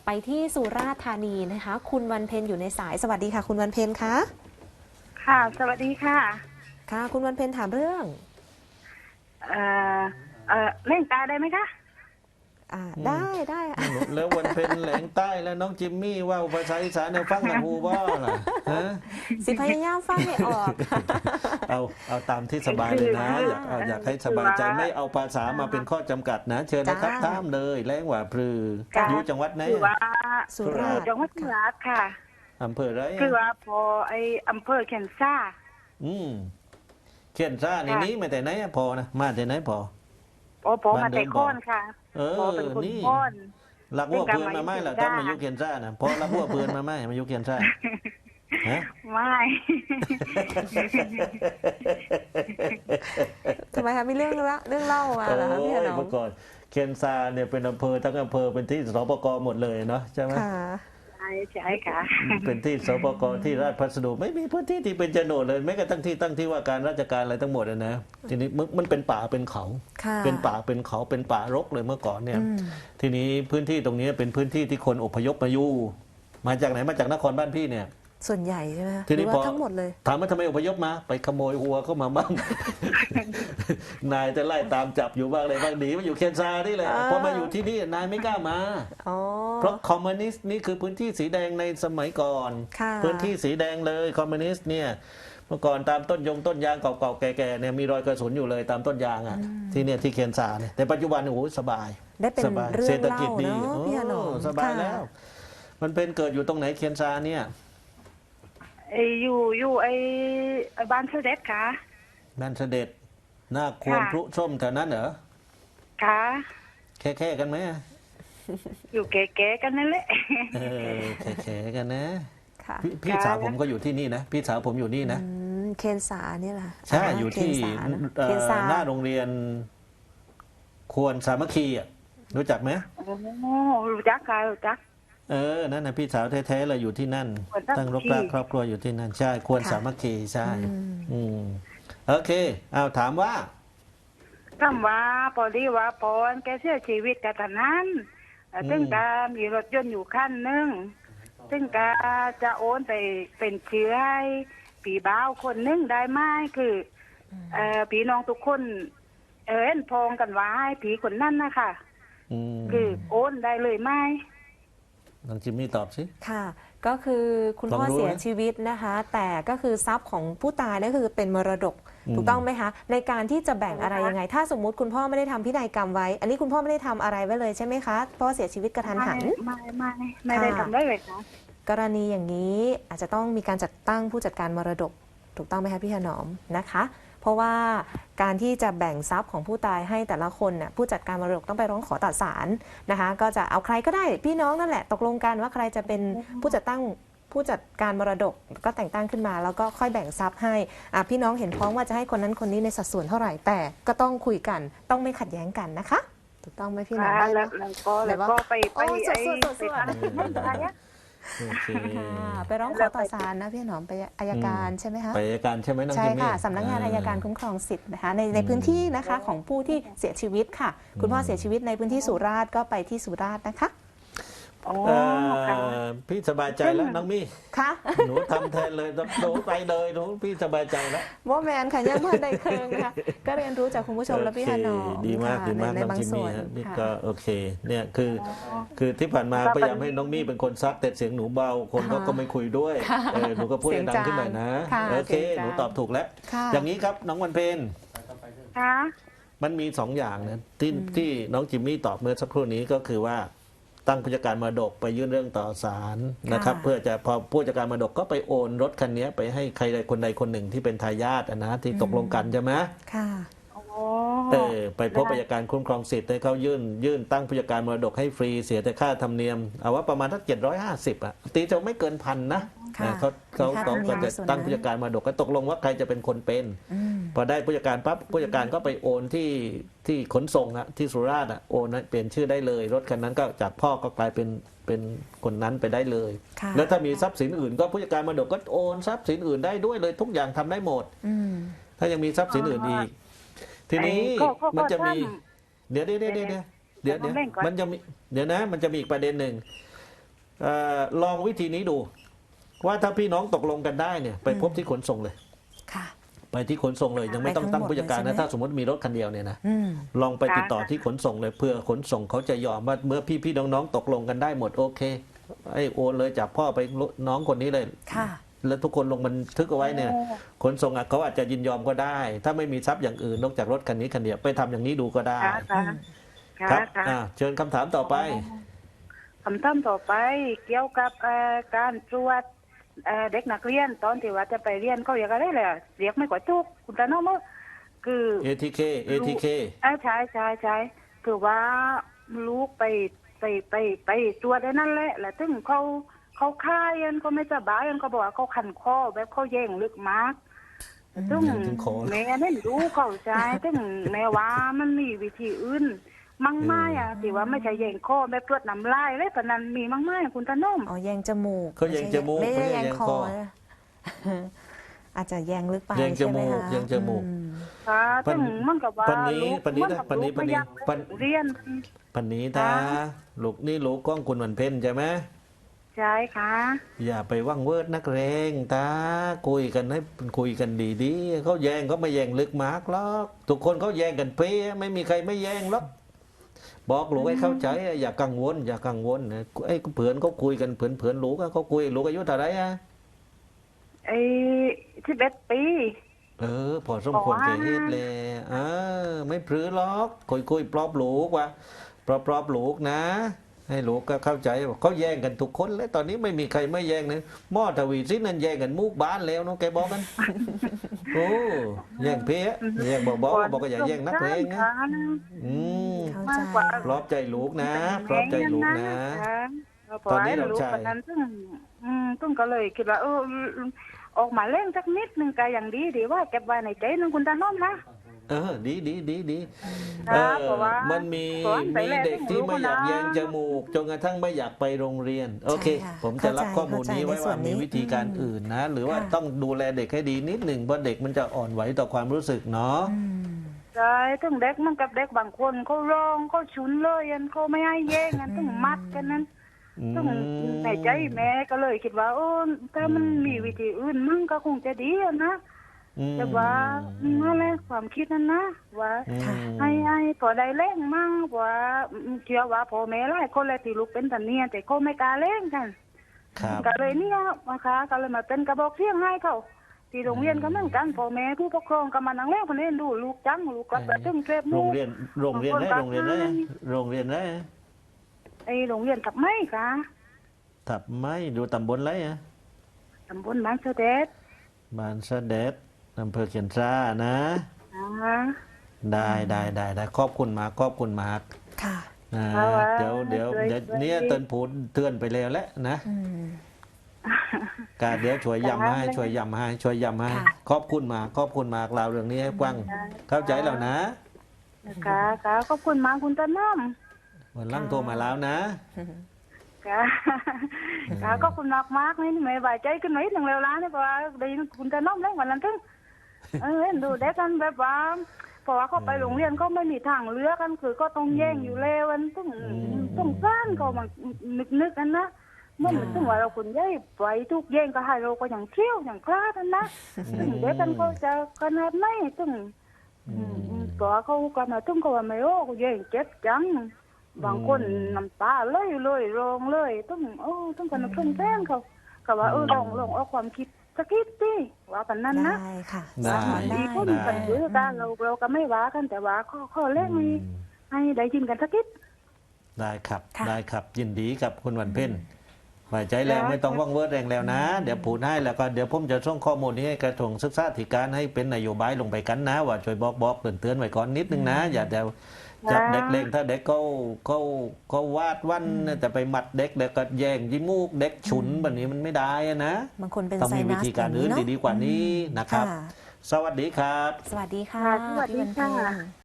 ไปที่สุราษฎร์ธานีนะคะ คุณวันเพ็ญอยู่ในสายสวัสดีค่ะคุณวันเพ็ญคะค่ะสวัสดีค่ะค่ะคุณวันเพ็ญถามเรื่องเอ่อเล่นตาได้ไหมคะได้ได้ค่ะแล้ววันเพ็ญแหลงใต้แล้วน้องจิมมี่ว่าภาษาอีสานเนี่ยฟังหนังฮูบ้าล่ะฮะสิพยายามฟังให้ออกเอาตามที่สบายเลยนะอยากให้สบายใจไม่เอาภาษามาเป็นข้อจำกัดนะ เชิญนะครับจ้าตามเลยแรงว่าพลือจ้าอยู่จังหวัดไหนคือว่าสุราษฎร์จังหวัดสุราษฎร์ค่ะอำเภออะไรคือว่าพอไออำเภอแคนซ่าอืมเขียนซ่าในนี้มาแต่ไหนอะพอนะมาแต่ไหนพอพอมาแต่ค้อนค่ะเออพอเป็นคนนี่ค้อนรักวัวเพื่อนมาไหมล่ะเป็นต้กาอรงมายุเขียนซ่านะพอรักวัวเพื่อนมาไหมมายุเขียนซ่าฮะไม่ทำไมคะมีเรื่องเล่ามาเหรอคะพี่ถนอมเมื่อก่อนเคียนซาเนี่ยเป็นอำเภอทั้งอำเภอเป็นที่สปกหมดเลยเนาะใช่ไหมค่ะใช่ค่ะเป็นที่สปกที่ราชพัสดุไม่มีพื้นที่ที่เป็นโฉนดเลยแม้กระทั่งที่ตั้งที่ว่าการราชการอะไรทั้งหมดนะทีนี้มันเป็นป่าเป็นเขาค่ะเป็นป่าเป็นเขาเป็นป่ารกเลยเมื่อก่อนเนี่ยอืมทีนี้พื้นที่ตรงนี้เป็นพื้นที่ที่คนอพยพมาอยู่มาจากไหนมาจากนครบ้านพี่เนี่ยส่วนใหญ่ใช่ไหมคะทีหรืนี้อพว่าอทั้งหมดเลยถามว่าทำไมอพยพมาไปขโมยวัวเข้ามาบ้าง นายจะไล่ตามจับอยู่บ้างอะไรบ้างหนีมาอยู่เคียนซานี่แหละพอมาอยู่ที่นี่นายไม่กล้ามาอ๋อเพราะคอมมิวนิสต์นี่คือพื้นที่สีแดงในสมัยก่อนค่ะพื้นที่สีแดงเลยคอมมิวนิสต์เนี่ยเมื่อก่อนตามต้นยางเก่าๆแก่ๆเนี่ยมีรอยกระสุนอยู่เลยตามต้นยางอ่ะที่เนี่ยที่เคียนซาเนี่ยแต่ปัจจุบันโอ้โหสบายได้เป็นสบายเรื่เศอรง ษฐเล่ากิจดีเนาะพี่ถนอมสบายค่ะแล้ว มันเป็นเกิดอยู่ตรงไหนเคียนซาเนี่ยอยู่ไอบ้านเสด็จค่ะบ้านเสด็จหน้าควรค่ะพลุส้มแถวนั้นเหรอค่ะแค่กันไหมอยู่แก่ๆกันนั่นแหละเออแค่กันนะค่ะพี่สาวผมก็อยู่ที่นี่นะพี่สาวผมอยู่นี่นะเคนสาเนี่ยแหละใช่อยู่ที่เคนสานะเคนสาหน้าโรงเรียนควรสามัคคีอ่ะรู้จักไหมโอ้รู้จักค่ะรู้จักนั่นนะพี่สาวแท้ๆเลยอยู่ที่นั่นควรสามัคคีตั้งรกรากครอบครัวอยู่ที่นั่นใช่ควรสามัคคีใช่ อืมโอเคเอาถามว่าคำว่าพอดีว่าพรแกเสียชีวิตกะทันนั้นซึ่งกามีรถยนต์อยู่คันหนึ่งซึ่งกาจะโอนไปเป็นเชื้อให้ผีบ้าวคนหนึงได้ไหมคือผีน้องทุกคนเอ็นพองกันว่าให้ผีคนนั้นนะคะอืมคือโอนได้เลยไหมน้องจิมมี่ตอบสิค่ะ ก็คือคุณพ่อลองดูนะเสียชีวิตนะคะ แต่ก็คือทรัพย์ของผู้ตายนั่นคือเป็นมรดก ถูกต้องไหมคะ ในการที่จะแบ่งอะไรยังไง ถ้าสมมุติคุณพ่อไม่ได้ทำพินัยกรรมไว้ อันนี้คุณพ่อไม่ได้ทำอะไรไว้เลยใช่ไหมคะเพราะว่าเสียชีวิตกระทันหันไม่ได้ทำได้เลยค่ะกรณีอย่างนี้อาจจะต้องมีการจัดตั้งผู้จัดการมรดก ถูกต้องไหมคะพี่ถนอมนะคะ เพราะว่าการที่จะแบ่งทรัพย์ของผู้ตายให้แต่ละคนน่ะผู้จัดการมรดกต้องไปร้องขอต่อศาลนะคะ ก็จะเอาใครก็ได้พี่น้องนั่นแหละตกลงกันว่าใครจะเป็นผู้จัดการมรดกก็แต่งตั้งขึ้นมา แล้วก็ค่อยแบ่งทรัพย์ให้พี่น้องเห็นพ้องว่าจะให้คนนั้นคนนี้ในสัดส่วนเท่าไหร่แต่ก็ต้องคุยกันต้องไม่ขัดแย้งกันนะคะ ถูกต้องไหมพี่น้องได้ไหมแล้วก็ไปโอ้สวดไปทำอะไรเนี่ยโอเคค่ะไปร้องขอต่อศาลนะพี่หนอมไปอัยการใช่ไหมคะไปอัยการใช่ไหมน้องใช่จิมมี่ค่ะสำนักงานอัยการคุ้มครองสิทธิ์นะคะในพื้นที่นะคะของผู้ที่เสียชีวิตค่ะ คุณพ่อเสียชีวิตในพื้นที่สุราษฎร์ก็ไปที่สุราษฎร์นะคะโอ้เอ่อค่ะพี่สบายใจแล้วน้องมี่ค่ะหนูทำแทนเลยหนูไปเลยหนูพี่สบายใจแล้วโมแมนค่ะยังเมื่อใดเคืองค่ะก็เรียนรู้จากคุณผู้ชมและพี่ถนอมดีมากค่ะดีมากในน้องบางจิมส่มี่วนฮะนี่ค่ะก็โอเคเนี่ยคือที่ผ่านมาพยายามให้น้องมี่เป็นคนซักแต่เสียงหนูเบาคนก็ไม่คุยด้วยหนูก็พูดดังขึ้นหน่อยนะค่ะโอเคเสียงจางหนูตอบถูกแล้วค่ะอย่างนี้ครับน้องวันเพ็ญค่ะมันมีสองอย่างนะที่น้องจิมมี่ตอบเมื่อสักครู่นี้ก็คือว่าตั้งผู้จัดการมรดกไปยื่นเรื่องต่อศาลนะครับค่ะเพื่อจะพอผู้จัดการมรดกก็ไปโอนรถคันนี้ไปให้ใครใดคนใดคนหนึ่งที่เป็นทายาทนะที่ตกลงกันใช่ไหมค่ะโอ้ไปพบอัยการคุ้มครองสิทธิ์ให้เขายื่นตั้งผู้จัดการมรดกให้ฟรีเสียแต่ค่าธรรมเนียมเอาว่าประมาณทัก750ตีจะไม่เกินพันนะค่ะเขามีค่าธรรมเนียมก็จะส่วนนั้นตั้งผู้จัดการมรดกก็ตกลงว่าใครจะเป็นคนเป็นอืมพอได้ผู้จัดการปั๊บผู้จัดการก็ไปโอนที่ขนส่งอะที่สุราษฎร์อะโอนเปลี่ยนชื่อได้เลย รถคันนั้นก็จากพ่อก็กลายเป็นคนนั้นไปได้เลยค่ะแล้วถ้ามีทรัพย์สินอื่นก็ผู้จัดการมรดกก็โอนทรัพย์สินอื่นได้ด้วยเลยทุกอย่างทำได้หมดอืมถ้ายังมีทรัพย์สินอื่นอีก ทีนี้ก็มันจะมีท่านเดี๋ยวมันจะมีเดี๋ยวนะมันจะมีอีกประเด็นหนึ่งลองวิธีนี้ดู ว่าถ้าพี่น้องตกลงกันได้เนี่ยไปพบที่ขนส่งเลยค่ะไปที่ขนส่งเลยยังไม่ต้องตั้งผู้จัดการไปทั้งหมดเลยใช่ไหมนะถ้าสมมติมีรถคันเดียวเนี่ยนะอืมลองไปติดต่อที่ขนส่งเลยเพื่อขนส่งเขาจะยอมว่าเมื่อพี่น้องๆตกลงกันได้หมดโอเคไอ้โอนเลยจากพ่อไปน้องคนนี้เลยค่ะแล้วทุกคนลงบันทึกเอาไว้เนี่ยโอ้ขนส่งเขาอาจจะยินยอมก็ได้ ถ้าไม่มีทรัพย์อย่างอื่นนอกจากรถคันนี้คันเดียวไปทำอย่างนี้ดูก็ได้ค่ะค่ะครับค่ะเชิญคำถามต่อไปคำถามต่อไปเกี่ยวกับการตรวจเด็กนักเรียนตอนที่ว่าจะไปเรียนเขาเรียกอะไรเลยเรียกไม่กว่าทุกคุณตาโน้มคือ ATK ATK ใช่คือว่าลูกไปตรวจได้นั่นแหละแล้วถึงเขาค่ายกันเขาไม่สบายกันเขาบอกว่าเขาคันคอแบบเขาแย่งลึกมากซึ่งแย่งถึงคอแม่ไม่รู้เข้าใจซึ่งแม่ว่ามันมีวิธีอื่นมั่งไม้อะที่ว่าไม่ใช่แย่งคอแบบตรวจน้ำลายเลยปะนั้นมีมั่งไม้คุณตาโน้มอ๋อแยงจมูกเขาแยงจมูกไม่ไม่ได้ได้แยงแยงคคออนะ อาจจะแยงลึกไปแยงจมูกใช่ไหคะแยงจมูกอืมค่ะปันซึ่งมันกับว่าปันนี้ลูกปันนี้มันะกับปันนี้ลูกไม่อยากปันเรียนปันนี้ถ้าค่ะลูกนี่ลูกก้องคุณวันเพ็ญใช่ไหมใช่ค่ะอย่าไปว่างเวิร์ดนักเรงตาคุยกันให้คุยกันดีๆเขาแย่งเขาไม่แย่งลึกมากหรอกทุกคนเขาแย่งกันเป๊ะไม่มีใครไม่แย่งหรอกบอกลูกให้เข้าใจอย่ากังวลอย่ากังวลนะไอ้เผื่อนเขาคุยกันเผื่อนลูกอะเขาคุยลูกอายุเท่าไหรอะไอ้11 ปีพอสมควรแก่เหตุเลยไม่พรือหรอกคุยปลอบลูกว่าปลอบลูกนะ ให้ลูกก็เข้าใจว่าเขาแย่งกันทุกคนแล้วตอนนี้ไม่มีใครไม่แย่งนะหม้อทวีสินนั่นแย่งกันมุกบ้านแล้วเนาะแกบอกกัน โอ้แย่งเพี้ยแย่งบอกว่าอย่าแย่งนักเลงนะอืมเข้ามาใจกกว่าปลอบใจลูกนะปลอบใจลูกนะ ตอนนี้เราลูกใช่คนนั้นซึ่งก็เลยคิดว่าออกมาเล่นสักนิดนึงก็อย่างดีว่าเก็บไว้ในใจนึงคุณตาน้อมนะดีเพราะว่ามันมีเพราะว่าไปแล้วเด็กที่ไม่อยากไม่รู้นะแยงจมูกจนกระทั่งไม่อยากไปโรงเรียน โอเคใช่ค่ะผมจะรับข้อมูลเข้าใจนี้ไว้ในส่ว่าวนนี้มีวิธีการอื่นนะ หรือว่าค่ะต้องดูแลเด็กให้ดีนิดหนึ่งเพราะเด็กมันจะอ่อนไหวต่อความรู้สึกเนาะอืมใช่ถึงเด็กมันกับเด็กบางคนเขาร้องเขาชุนเลยเขาไม่ให้แย่งกันต้องมัดกันนั้น ซึ่งในใจแม่ก็เลยคิดว่าถ้ามันมีวิธีอื่นมั่งก็คงจะดีอะนะ แต่ว่านั่นแหละความคิดนั้นนะว่าค่ะให้พอได้เล่งมั่งว่าเชื่อว่าพ่อแม่หลายคนเลยที่ลูกเป็นตันเนี่ยแต่เขาไม่กล้าเล่งกันครับก็เลยเนี่ยนะคะก็เลยมาเป็นกระบอกเสียงให้เขาที่โรงเรียนก็เหมือนกันพ่อแม่ผู้ปกครองก็มานั่งเล่นคนนี้ดูลูกจังลูกก็ไปตึ้งเทปโรมูงเรียนโรงเรียนได้โรงเรียนได้โรงเรียนได้ไอ้โรงเรียนกับไม่ค่ะถับไม่ดูตำบลไรอะตำบลบ้านเสด็จบ้านเสด็จอำเภอเขียนซ่านะอ่าได้ขอบคุณมากค่ะเอาไว้เดี๋ยวเนี่ยเตือนผูดเตือนไปแล้วแหละนะอืมการเดี๋ยวช่วยย้ำให้ค่ะขอบคุณมากเราเรื่องนี้ให้ฟังเข้าใจแล้วนะค่ะค่ะขอบคุณมากคุณต้นน้อมวันหลังโทรมาแล้วนะค่ะค่ะขอบคุณมากมากนี่ไม่ไหวใจขึ้นมาอีกหนึ่งเร็วล้านนี่เพราะว่าได้ยินคุณต้นน้อมเล่นวันนั้นถึงดูเด็กกันแบบว่าเพราะว่าเขาไปโรงเรียนก็ไม่มีทางเลือกกันคือก็ต้องแย่งอยู่แล้วมันต้องสร้างเขามานึกกันนะเมื่อมันถึงว่าเราคนย่อยไปทุกแย่งก็ให้เราก็อย่างเที่ยวอย่างกล้ากันนะถึงเด็กกันก็จะขนาดไหนถึงตัวเขาก็มาถึงเขาว่าไม่โอ้ก็แย่งเจ็บจังบางคนน้ำตาเลยร้องเลยต้องกันเพื่อนแฟนเขาก็ว่าลองเอาความคิดสักนิดสิว่ากันนั้นนะได้ค่ะได้สอนได้มีคนกันซื้อกันเราก็ไม่ว่ากันแต่ว่าข้อเล่นให้ได้ยินกันสักนิดได้ครับค่ะได้ครับยินดีกับคุณวันเพ็ญไว้ใจแล้วค่ะไม่ต้องว่างเวิร์ดแรงแล้วนะ เดี๋ยวผูดให้แล้วก็เดี๋ยวผมจะส่งข้อมูลนี้ให้กระทรวงศึกษาธิการให้เป็นนโยบายลงไปกันนะ ว่าช่วยบอกเตือนไว้ก่อนนิดนึงนะ อย่าเดี๋ยวจับเด็กเล่งถ้าเด็กเขาวาดวันแต่ไปหมัดเด็กแล้วก็แย่งยิ้มูกเด็กฉุนแบบนี้มันไม่ได้อะนะบางคนเป็นต้องไซมีวินัสธีการอื่นอย่งเะดีๆกว่านี้นะครับค่ะสวัสดีครับสวัสดีค่ะสวัสดีพี่วันค่ะเพ็ญ